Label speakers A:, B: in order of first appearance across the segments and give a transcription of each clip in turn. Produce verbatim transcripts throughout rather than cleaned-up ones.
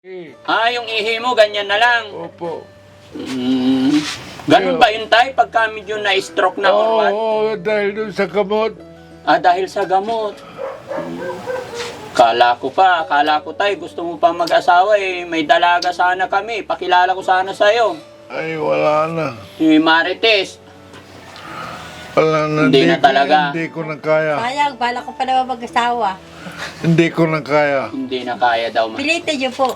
A: Eh,
B: Ah, yung ihi mo, ganyan na lang.
A: opo.
B: Mm. Ganun ba yun, tay? Pagka medyo na-stroke na or
A: Oo,
B: what?
A: oo, dahil doon sa kamot.
B: Ah, dahil sa gamot. Mm. Kala ko pa, kala ko, tay, gusto mo pa mag-asawa eh. May dalaga sana kami. Pakilala ko sana sa'yo.
A: Ay, wala na.
B: Si Marites.
A: Wala na.
B: Hindi na
A: ko-
B: talaga.
A: Hindi ko na kaya.
C: Sayang, bala ko pa naman mag-asawa.
A: Hindi ko na kaya.
B: Hindi na kaya daw. ma-
C: Pilitin niyo po.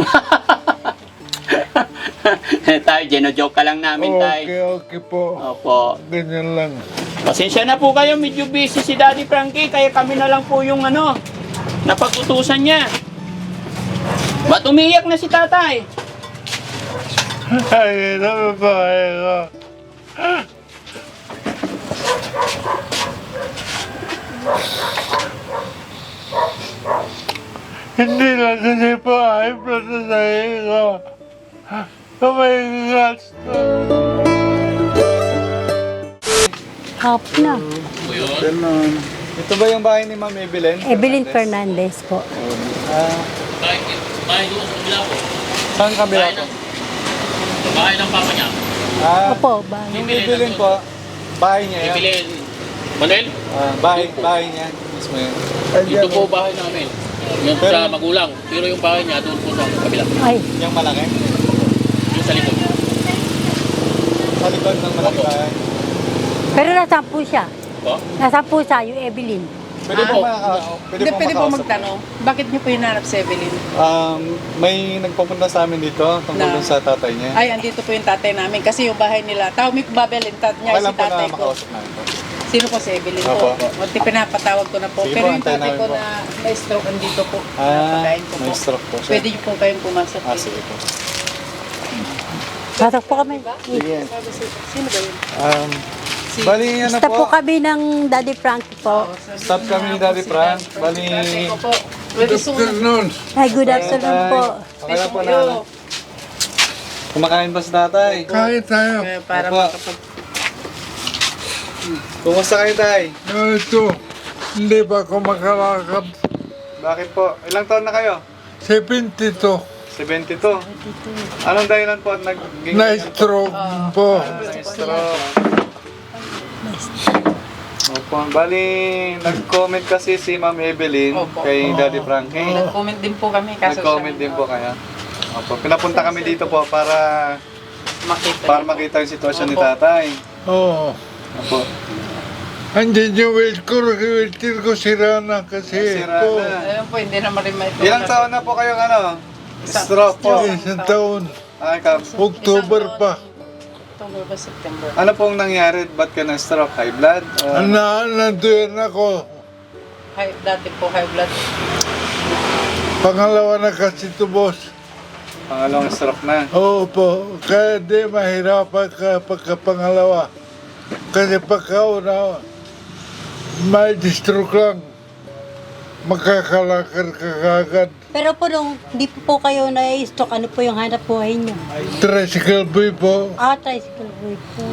B: Tay, geno-joke ka lang namin, tay.
A: Okay, okay po.
B: Opo.
A: Ganyan lang.
B: Pasensya na po kayo, medyo busy si Daddy Frankie, kaya kami na lang po yung ano, napag-utusan niya. Ba't umiyak na si tatay?
A: Ay, nababae ko. Hindi lang kasi po ay blood na sa'yo ko. Kamay gasto.
C: Hap na.
D: Ganun. Ito ba yung bahay ni Ma'am Evelyn?
C: Evelyn Fernandez po.
D: Ah,
B: Bahay doon sa kabila po.
D: saan kabila po?
B: Bahay ng papa niya.
D: Ah,
C: Opo, ba?
D: yung Evelyn po, bahay niya yan.
B: Ibilin. Manuel,
D: Ah, bahay, bahay niya. Mismo yun.
B: ito po bahay namin. Yung
D: Pero-
B: sa magulang. Pero yung bahay niya doon po sa kabila.
C: Ay,
D: Yung malaki?
B: Yung sa likod.
D: Sa likod ng malaki bahay.
C: pero nasaan po siya?
B: Po?
C: Nasaan po siya, yung Evelyn?
D: Pwede
E: Ah,
D: po makaka... Pwede
E: Hindi,
D: po
E: pwede po
D: makausap.
E: magtanong, bakit niyo po hinanap si Evelyn?
D: Um, may nagpupunta sa amin dito tungkol
E: Na-
D: dun sa tatay niya.
E: Ay, andito po yung tatay namin kasi yung bahay nila, tao may babelin tat niya
D: Kailan
E: si
D: po na
E: tatay ko.
D: makausap namin po?
E: Sino po si Evelyn
D: Opo.
E: po? O, di pinapatawag ko na po.
D: Sige
E: Pero
D: po,
E: yung
D: antayin
E: tatay
D: namin
E: ko
D: po.
E: na may stroke andito po.
D: Ah,
E: Napakain ko
D: may
E: po.
D: stroke po siya.
E: Pwede niyo po kayong pumasok.
D: Ah,
E: eh.
D: sige po.
C: Pasok po kami.
D: Sige.
E: Sino ba yun?
D: Um,
E: Si-
D: bali yan na
C: Basta po
D: po.
C: kami ng Daddy Frankie po.
D: Stop kami ni Daddy Frank. Bali...
E: Tatay ko po. Pwede sumunod.
A: Afternoon.
C: Ay, good afternoon po.
D: Pakala po na. Kumakain ba si tatay?
A: Kahit tayo.
E: Eh, Para
D: Opo.
E: makapag...
D: Kumusta kayo, tay?
A: No, ito. Hindi pa ako makalakad.
D: Bakit po? Ilang taon na kayo?
A: seventy-two.
D: seventy-two. Anong dahilan po at naging...
A: Na-stroke po.
D: Na-stroke. Opo. Bali, nag-comment kasi si Ma'am Evelyn
E: Opo.
D: kay Daddy Frankie.
E: Nag-comment din po kami. Kaso
D: Nag-comment din po kaya. Opo. Pinapunta kami dito po para
E: Makita.
D: para makita yung sitwasyon ni
E: Opo.
D: tatay.
A: Oo.
D: Opo.
A: Andiyan yung wheelchair, wheelchair ko sira na kasi
D: Sira
A: po.
D: na.
E: Ayun po, hindi naman rin may...
D: Ilang taon na po kayong ano? Stroke po.
A: Isang taon.
D: Ay, kap.
A: October pa.
E: October ba, September?
D: Ano pong nangyari? Ba't ka na-stroke? High blood? O-
A: Na, nandoon ako.
E: High, dati po high blood.
A: Pangalawa na kasi ito, boss.
D: Pangalawang stroke na.
A: Oo po. Kaya di mahirapan ka pagkapangalawa. Kasi pagkauna, may stroke lang. Makakalakar ka kagad.
C: Pero po nung hindi po po kayo na-stroke, ano po yung hanap buhay niyo?
A: Tricycle boy po.
C: Ah, tricycle boy po.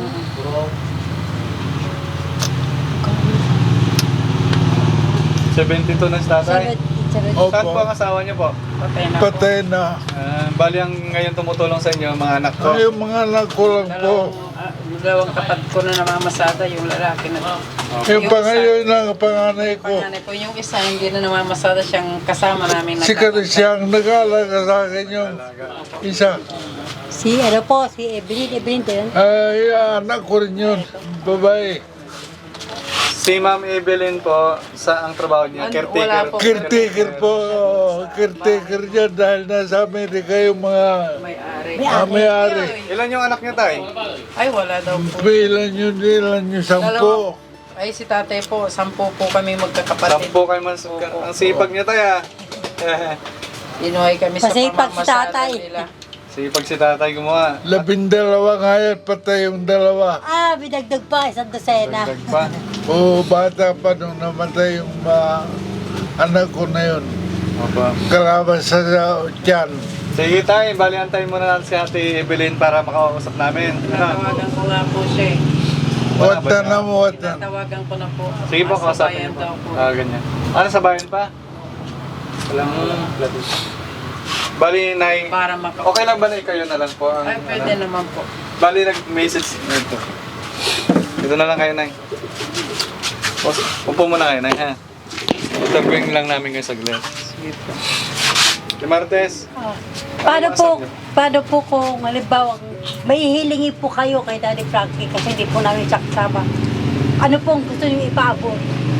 D: seventy-two na si tatay.
C: Seven, seven.
A: Opo.
D: Saan po ang asawa niyo po?
E: Patay na po.
A: Patay na.
D: Ah, bali ang ngayon tumutulong sa inyo, mga anak ko.
A: Ay, yung mga anak ko lang po.
E: Dalawang, ah, dalawang kapatid ko na namamasada, yung lalaki na.
A: Yung pangayon ng panganay ko.
E: Panganay po, yung isa hindi na namamasada, siyang kasama namin.
A: Si siyang nag-aalaga sa akin yung isa.
C: Si ano po, si Evelyn, Evelyn din.
A: Ay, anak ko rin yun. Babae.
D: Si Ma'am Evelyn po, sa ang trabaho niya,
E: Ano,
D: caretaker.
E: wala po.
A: Caretaker po. Caretaker niya dahil nasa Amerika yung mga
E: May-ari.
A: ah, may-ari.
D: Ilan yung anak niya, tay?
E: Ay, wala daw po.
A: Ilan yun, ilan yun, sampo.
E: Ay, si tatay po, sampu po kami magkakapatid.
D: Sampo kayo mas... Ang sipag niya, tay, ah.
E: Inuhay kami sa
C: Pasipag si
E: pamamasada
C: tatay.
E: nila.
D: Sipag si tatay gumawa.
A: Labindalawa nga yan, patay yung dalawa.
C: Ah, binagdag pa, isang dosena.
D: Dagdag pa.
A: Oo, bata pa nung namatay yung mga anak ko na yun.
D: Opo.
A: Kalaban sa sa tiyan.
D: Sige, tay. Bali, antayin muna natin si Ate Evelyn para makausap namin. Ano?
E: Tatawagan ko nga po siya eh.
D: Wala ba
A: Wata
D: siya?
A: na mo, wata.
E: Tatawagan ko na po.
D: Sige po,
E: Nasa
D: kausapin
E: bayan
D: niyo po.
E: daw po.
D: Ah, ganyan. Ano, sa bayan pa? Walang... Bali, Nay.
E: para maka...
D: Okay lang ba na kayo na lang po? Ang,
E: Ay, pwede
D: ano?
E: naman po.
D: Bali, nag-message dito. Dito na lang kayo, Nay. O- Upo muna kayo, Nay, ha? Interviewin lang namin kayo saglit.
E: Sige po.
D: Si Martes.
C: Paano
D: Ano
C: po,
D: masabi niyo?
C: paano po kung halimbawa may hihilingi po kayo kay Daddy Frankie kasi hindi po namin siya kasama. Ano pong gusto niyo ipaabot?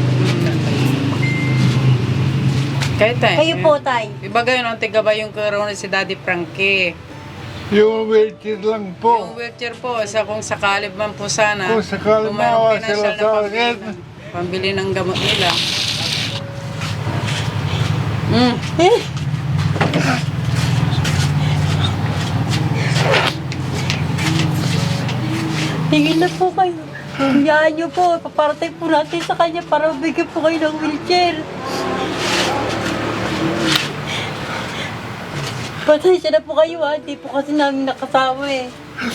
E: Kahit tayo.
C: Kayo po, Tay.
E: Iba gayon ang tigaba yung karoon si Daddy Frankie.
A: Yung wheelchair lang
E: Yung
A: po.
E: wheelchair po, sa kung sakali man po sana.
A: Kung sakali
E: kung mayroong
A: maawa sila
E: financial na
A: sa
E: pambili
A: akin.
E: ng- Pambili ng gamot nila. Mm.
C: Eh, tingin na po kayo. Hayaan niyo po, paparating po natin sa kanya para bigyan po kayo ng wheelchair. Pasensya na po kayo ha, hindi po kasi namin nakasama eh.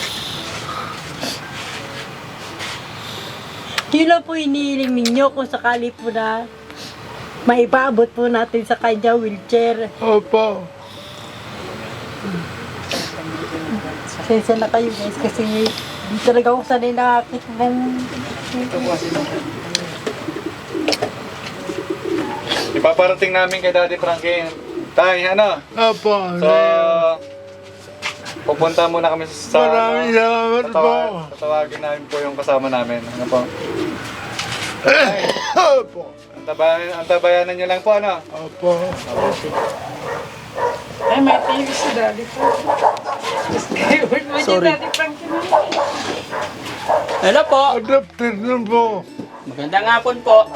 C: Yun lang po iniiling ninyo kung sakali po na maipaabot po natin sa kanya wheelchair.
A: Opo.
C: Pasensya na kayo guys kasi hindi talaga ako sanay nakakita ng...
D: Ipaparating namin kay Daddy Frankie. Tay, ano?
A: Opo.
D: So, pupunta muna kami sa...
A: Maraming salamat po.
D: Tatawag, tatawagin namin po yung kasama namin. Ano po?
A: Opo.
D: Antabayan, antabayanan nyo lang po, ano?
A: Opo.
E: Ay, may T V si Daddy Frankie.
B: Sorry.
E: Daddy Frankie na.
B: Hello po.
A: Adapted na po.
B: Magandang hapon po.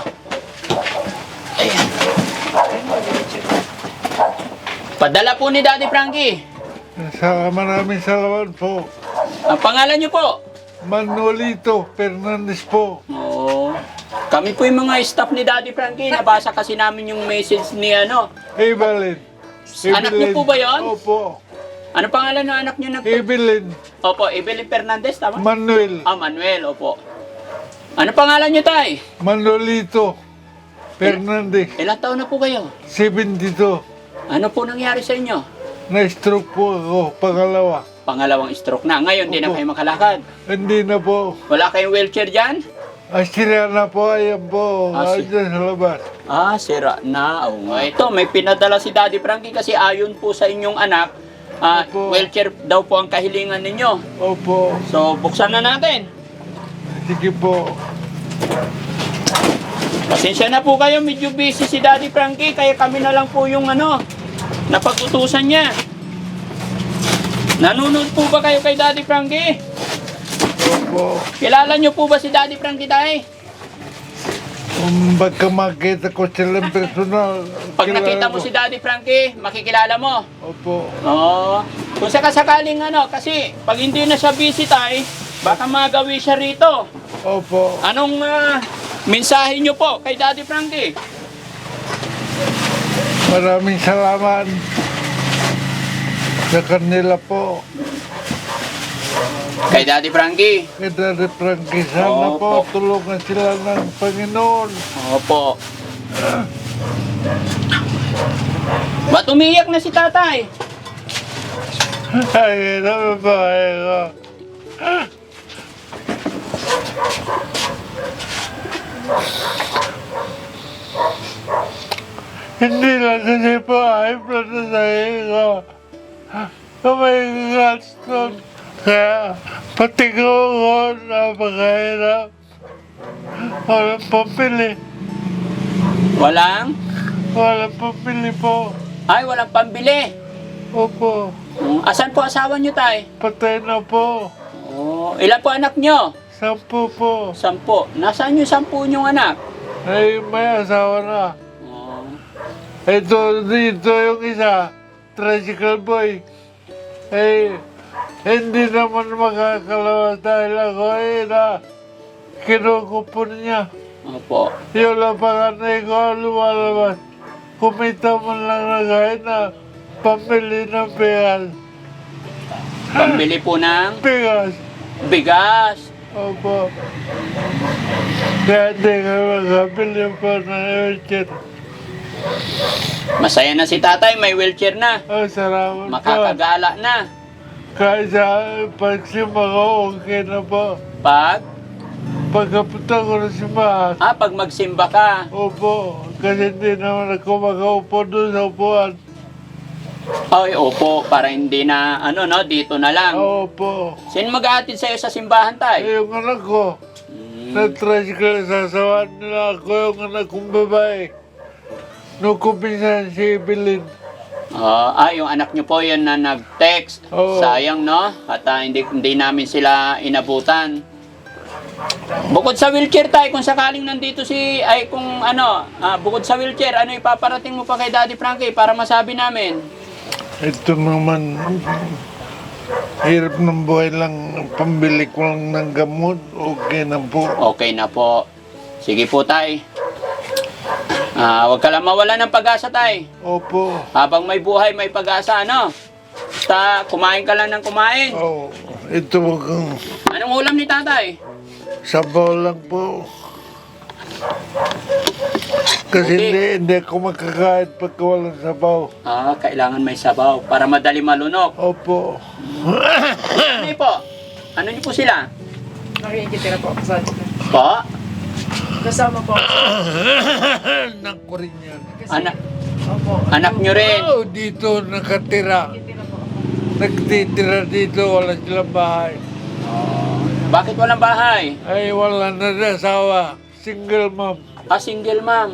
B: Padala po ni Daddy Frankie.
A: Sa maraming salamat po.
B: Ang pangalan niyo po?
A: Manolito Fernandez po.
B: Oo. Kami po yung mga staff ni Daddy Frankie. Nabasa kasi namin yung message ni ano.
A: Evelyn.
B: Anak niyo po ba yun?
A: Opo.
B: Ano pangalan ng anak niyo na po?
A: Evelyn.
B: Opo, Evelyn Fernandez, tama?
A: Manuel.
B: Ah, Manuel, opo. Ano pangalan niyo, tay?
A: Manolito Fernandez.
B: Ilang taon na po kayo?
A: seventy-two.
B: Ano po nangyari sa inyo?
A: Na-stroke po ako. Pangalawa.
B: Pangalawang stroke na. Ngayon, di na
A: Opo.
B: kayo makalakad.
A: Hindi na po.
B: Wala kayong wheelchair dyan?
A: Asira na po. Ayan po.
B: Ah, si-
A: Ayan sa labas.
B: Ah, sira na. Oo nga. Ito, may pinadala si Daddy Frankie kasi ayon po sa inyong anak, ah,
A: Opo.
B: wheelchair daw po ang kahilingan ninyo.
A: Opo.
B: So, buksan na natin.
A: Sige po.
B: Pasensya na po kayo, medyo busy si Daddy Frankie, kaya kami na lang po yung ano, napag-utusan niya. Nanonood po ba kayo kay Daddy Frankie?
A: Opo.
B: Kilala niyo po ba si Daddy Frankie, tay?
A: Kung baka makita ko silang personal.
B: Pag
A: kilala
B: nakita mo
A: ko.
B: si Daddy Frankie, makikilala mo.
A: Opo.
B: Oo. Kung sakasakaling ano, kasi pag hindi na siya busy, tay, baka magawi siya rito.
A: Opo.
B: Anong ah, mensahe niyo po kay Daddy Frankie?
A: Maraming salamat sa kanila po.
B: Kay Daddy Frankie.
A: Kay Daddy Frankie, sana
B: Opo.
A: po tulungan sila ng Panginoon.
B: Opo. Ba't umiyak na si tatay?
A: Ay, naman po ko. Hindi lang kasi po ay protesay ko. Kamay gaston. Kaya pati ko ko napakahirap. Walang pambili.
B: Walang?
A: Walang pambili po.
B: Ay, walang pambili.
A: Opo.
B: Hmm, Asan po asawa niyo, tay?
A: Patay na po.
B: Oh, ilan po anak niyo?
A: Sampu po.
B: Sampo. Nasaan yung sampu niyong anak?
A: Ay, may asawa na.
B: Oh.
A: Ito, dito yung isa, tricycle boy. Eh, hindi naman makakalawas dahil ako eh na kinukupon niya.
B: Opo.
A: Yung lang panganay ko lumalabas. Kumita man lang na kahit na pamili ng bigas.
B: Pambili po ng
A: Bigas.
B: bigas.
A: Opo. Kaya hindi ka makabili po ng urgent.
B: Masaya na si tatay, may wheelchair na.
A: Ay, salamat po.
B: Makakagala na.
A: Kahit sa pagsimba ko, okay na po.
B: Pag,
A: Pagkapunta ko na simbahan,
B: ah, pag magsimba ka.
A: opo, kasi hindi naman ako makaupo doon sa upuan.
B: Ay, opo, para hindi na, ano, no, dito na lang.
A: Opo.
B: Sino mag-aatid sa'yo sa simbahan, tay?
A: Eh, yung anak ko,
B: Hmm.
A: na-tricycle, sasawaan nila ako yung anak kong babae. Nung kuminsan si Evelyn.
B: Ah, ah, yung anak niyo po yun na nag-text.
A: Oo.
B: Sayang, no? At ah, hindi, hindi namin sila inabutan. Bukod sa wheelchair, tay, kung sakaling nandito si, ay kung ano, ah, bukod sa wheelchair, ano ipaparating mo pa kay Daddy Frankie para masabi namin?
A: Ito naman, hirap ng buhay lang, pambili ko lang ng gamot, okay na po.
B: Okay na po. Sige po, tay. Ah, huwag ka lang mawala ng pag-asa, tay.
A: Opo.
B: Habang may buhay, may pag-asa, ano? Basta kumain ka lang ng kumain.
A: Oh, ito kang
B: Anong ulam ni tatay?
A: sabaw lang po. Kasi
B: Okay.
A: hindi, hindi ako makakain pagka walang sabaw.
B: Ah, kailangan may sabaw para madali malunok.
A: Opo.
B: Ano po? Ano niyo po sila?
E: Nakikitira po ako sa
B: Po?
E: Kasama po ako.
A: Anak ko rin yan.
B: Anak,
E: Opo.
B: anak niyo rin.
A: Oh, dito nakatira.
E: Nakikitira po ako.
A: Nagtitira dito, wala silang bahay.
B: Bakit walang bahay?
A: Ay, wala na rin asawa. Single mom.
B: Ah, single ma'am.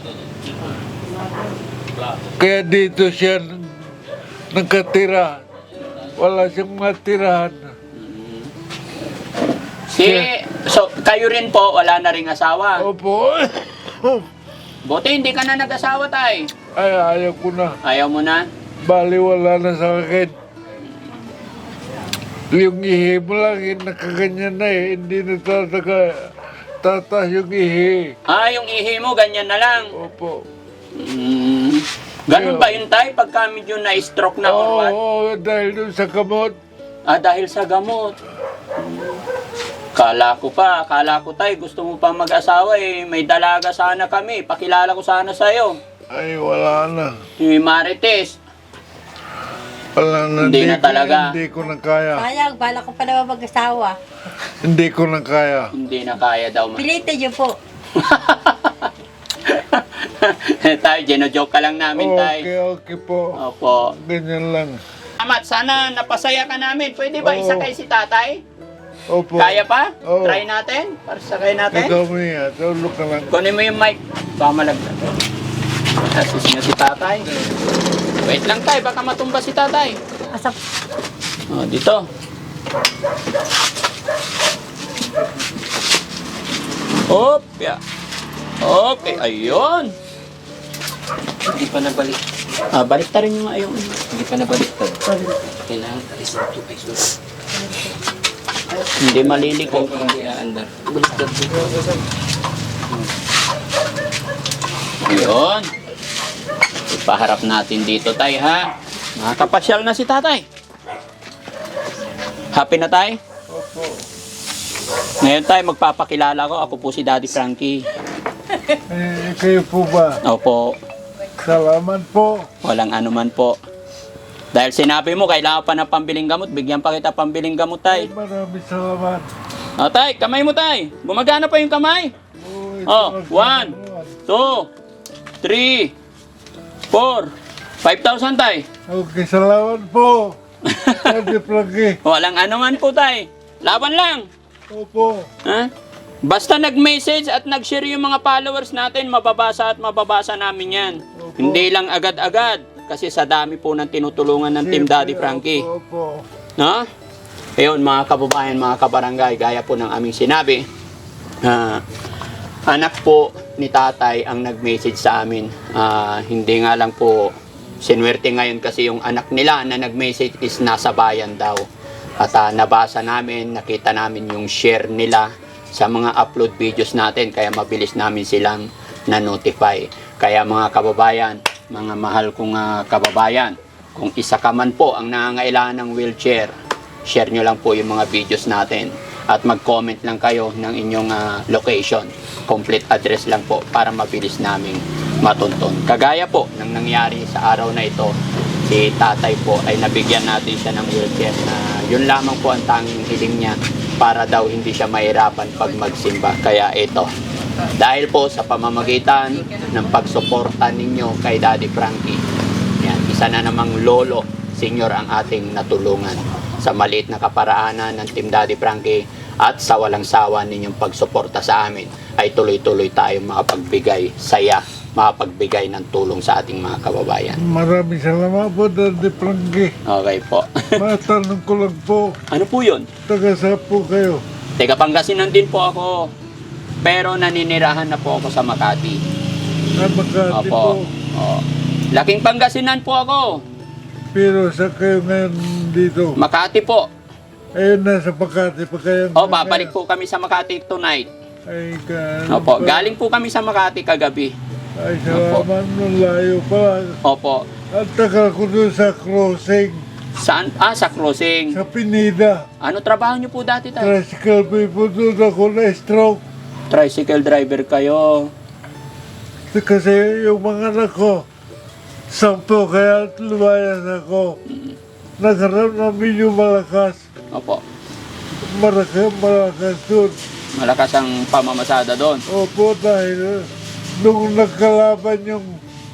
A: Kaya dito siya nakatira. Wala siyang matirahan.
B: Si, so, kayo rin po, wala na ring asawa.
A: Opo.
B: Buti hindi ka na nag-asawa, tay.
A: Ay, ayaw ko na.
B: Ayaw mo na?
A: Bali, wala na sa akin. Yung ihi mo lang, eh, nakaganyan na eh. Hindi na tataka, tatas yung ihi.
B: Ah, yung ihi mo, ganyan na lang.
A: Opo.
B: Mm. Ganun ba yun, tay? Pagka medyo na-stroke na or
A: Oo,
B: what?
A: oo, dahil dun sa kamot.
B: Ah, dahil sa gamot. Mm. Kala ko pa, kala ko, tay, gusto mo pa mag-asawa eh. May dalaga sana kami. Pakilala ko sana sa'yo.
A: Ay, wala na.
B: Si Marites.
A: Wala na.
B: Hindi na
A: ko-
B: talaga.
A: Hindi ko na kaya.
C: Sayang, bala ko pa naman mag-asawa.
A: Hindi ko na kaya.
B: Hindi na kaya daw. ma-
C: Pilitin niyo po.
B: Tayo, gino-joke ka lang namin, tay.
A: Okay, okay po.
B: Opo.
A: Ganyan lang.
B: Salamat, sana napasaya ka namin. Pwede ba
A: Oo.
B: isakay si tatay?
A: Opo.
B: Kaya pa?
A: Oo.
B: Try natin? Para sakay natin?
A: Ikaw mo yan. Tulog ka lang.
B: Kunin mo yung mic. Baka malaglag. Asis na si tatay. Wait lang, tay. Baka matumba si tatay.
C: Asap.
B: Oh, dito. Hop, ya. Okay, ayun.
F: Hindi pa nabalik.
B: Ah, balik ta rin yung ayun.
F: Hindi pa nabaliktad. Kailangan alis ng tubig.
B: Hindi maliliko.
F: Kung hindi aandar. Baliktad po.
B: Ayun. Ipaharap natin dito, tay, ha? Nakakapasyal na si tatay. Happy na, tay?
A: Opo.
B: Ngayon, tay, magpapakilala ko. Ako po si Daddy Frankie.
A: Eh, kayo po ba?
B: Opo.
A: Salamat po.
B: Walang anuman po. Dahil sinabi mo, kailangan pa ng pambiling gamot. Bigyan pa kita pambiling gamot, tay.
A: Maraming salamat.
B: O, tay, kamay mo, tay. Gumagana pa yung kamay.
A: Oh, ito
B: Oh,
A: ang
B: one.
A: salamat.
B: Two, three, four, five thousand, tay.
A: Okay, salamat po. Daddy Frankie.
B: Walang anuman po, tay. Laban lang.
A: Opo.
B: Ha? Basta nag-message at nag-share yung mga followers natin, mababasa at mababasa namin yan.
A: Opo.
B: Hindi lang agad-agad. Kasi sa dami po ng tinutulungan ng Team Daddy Frankie.
A: Opo.
B: No? Ayun, mga kababayan, mga kabarangay, gaya po ng aming sinabi, ah, anak po ni tatay ang nag-message sa amin. Ah, hindi nga lang po sinwerte ngayon kasi yung anak nila na nag-message is nasa bayan daw. At ah, nabasa namin, nakita namin yung share nila sa mga upload videos natin, kaya mabilis namin silang na-notify. Kaya mga kababayan, mga mahal kong ah, kababayan, kung isa ka man po ang nangangailangan ng wheelchair, share nyo lang po yung mga videos natin at mag-comment lang kayo ng inyong ah, location. Complete address lang po para mabilis naming matunton. Kagaya po ng nangyari sa araw na ito, si tatay po ay nabigyan natin siya ng wheelchair na yun lamang po ang tanging hiling niya para daw hindi siya mahirapan pag magsimba. Kaya ito, dahil po sa pamamagitan ng pagsuporta ninyo kay Daddy Frankie, yan, isa na namang lolo, senior ang ating natulungan sa maliit na kaparaanan ng Team Daddy Frankie at sa walang sawa ninyong pagsuporta sa amin ay tuloy-tuloy tayong makapagbigay saya, makapagbigay ng tulong sa ating mga kababayan.
A: Maraming salamat po, Daddy Frankie.
B: Okay po.
A: Matanong ko lang po,
B: Ano po yun?
A: taga saan po kayo?
B: Teka, Pangasinan din po ako. Pero naninirahan na po ako sa Makati.
A: Na Makati po.
B: Opo. Oo. Laking Pangasinan po ako.
A: Pero sa kayo ngayon dito?
B: Makati po.
A: Ayun, nasa Makati pa kayo.
B: O, babalik po kami sa Makati tonight.
A: Ay, ka,
B: Opo, galing po kami sa Makati kagabi.
A: Ay, salamat nung layo pa.
B: Opo.
A: At tagal ko doon sa crossing,
B: Saan? Ah, sa crossing.
A: sa Pinida.
B: Ano trabaho niyo po dati tayo?
A: Tricycle people doon ako na-stroke.
B: Tricycle driver kayo.
A: Kasi yung mga anak ko, sampo kaya lumayas ako. Nagharap namin yung malakas.
B: Opo.
A: Malakas, malakas doon.
B: Malakas ang pamamasada doon.
A: Opo, dahil nung nagkalaban yung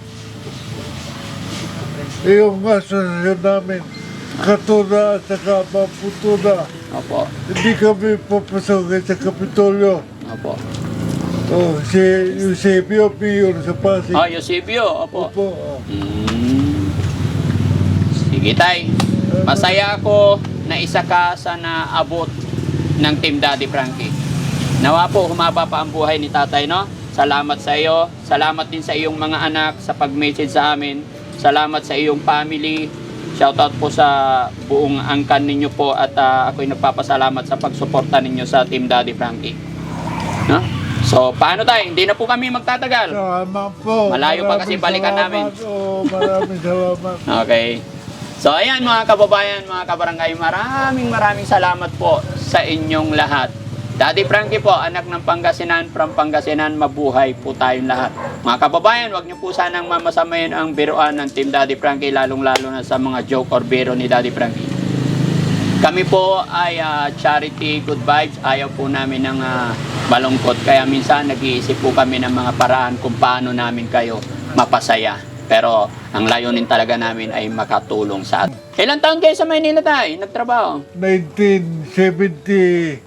A: yung asosasyon namin, Katuna at saka Maputuna,
B: Opo.
A: hindi kami papasokin sa Kapitolyo.
B: Opo.
A: Oh, si Eusebio Mayor sa Pasig.
B: Ah, Eusebio. Opo.
A: Opo. oh.
B: Mm. Sige, tay. Masaya ako na isa ka sa naabot ng Team Daddy Frankie. Nawa po, humaba pa ang buhay ni tatay, no? Salamat sa iyo. Salamat din sa iyong mga anak sa pag-message sa amin. Salamat sa iyong family. Shoutout po sa buong angkan ninyo po at uh, ako'y nagpapasalamat sa pagsuporta ninyo sa Team Daddy Frankie. No? So, paano tayo? Hindi na po kami magtatagal.
A: Salamat po.
B: Malayo pa kasi
A: Maraming
B: balikan
A: salamat.
B: namin.
A: Oo, maraming salamat.
B: Okay. So, ayan mga kababayan, mga kabarangay, maraming maraming salamat po sa inyong lahat. Daddy Frankie po, anak ng Pangasinan, from Pangasinan, mabuhay po tayong lahat. Mga kababayan, wag niyo po sanang mamasamayin ang biruan ng Team Daddy Frankie, lalong-lalo na sa mga joke or biro ni Daddy Frankie. Kami po ay uh, charity good vibes, ayaw po namin ng uh, balungkot. Kaya minsan nag-iisip po kami ng mga paraan kung paano namin kayo mapasaya. Pero ang layunin talaga namin ay makatulong sa atin. Ilang taon kayo sa Maynila tayo? Nagtrabaho?
A: nineteen seventy-nine.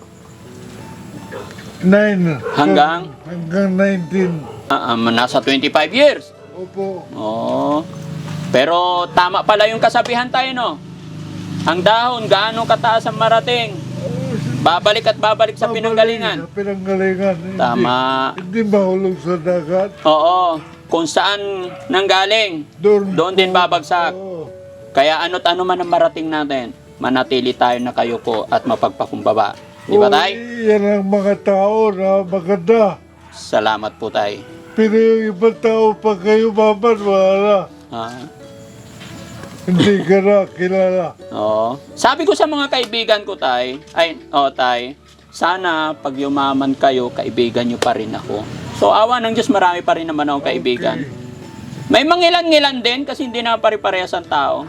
B: Hanggang?
A: Hanggang nineteen.
B: Ah, um, nasa twenty-five years.
A: Opo.
B: Oo. Pero tama pala yung kasabihan tayo, no? Ang dahon, gaano kataas ang marating? Babalik at babalik sa pinanggalingan.
A: Sa pinanggalingan. Hindi-
B: Tama.
A: Hindi mahulog sa dagat.
B: Oo. Kung saan nanggaling,
A: Doon,
B: doon din babagsak.
A: Oo.
B: Kaya ano't ano man ang marating natin, manatili tayo na kayo po at mapagpakumbaba. Di ba
A: Oo,
B: tay?
A: Yan ang mga tao na maganda.
B: Salamat po tay.
A: Pero yung ibang tao pag kayo maman, wala.
B: Ah,
A: Hindi ka na kilala.
B: oo. Sabi ko sa mga kaibigan ko tay, ay, oh tay, sana pag yumaman kayo, kaibigan nyo pa rin ako. So awa ng Diyos, marami pa rin naman akong kaibigan. May mangilan-ngilan din kasi hindi na pare-parehas ang tao.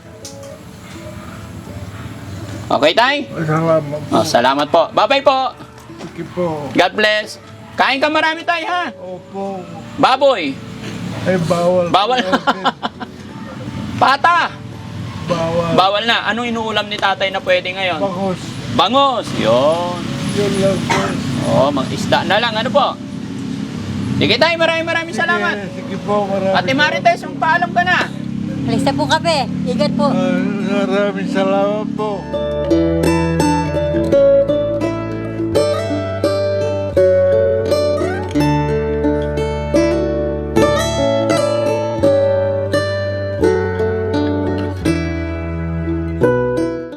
B: Okay tay?
A: Salamat po.
B: Oh, salamat po. Bye-bye po.
A: Sige po.
B: God bless. Kain ka marami tayo ha.
A: Opo.
B: Baboy.
A: Ay, bawal.
B: Bawal. Pata.
A: Bawal.
B: Bawal na. Anong inuulam ni tatay na pwede ngayon?
A: Bakos.
B: Bangos. Yun.
A: Yun lang po.
B: Oh, mag-isda na lang. Ano po? Sige tayo. Maraming maraming salamat.
A: Sige, sige po, maraming
B: Ate Marites, magpaalam ka na.
C: Alis na po kami. Ingat po.
A: Ah, maraming salamat po.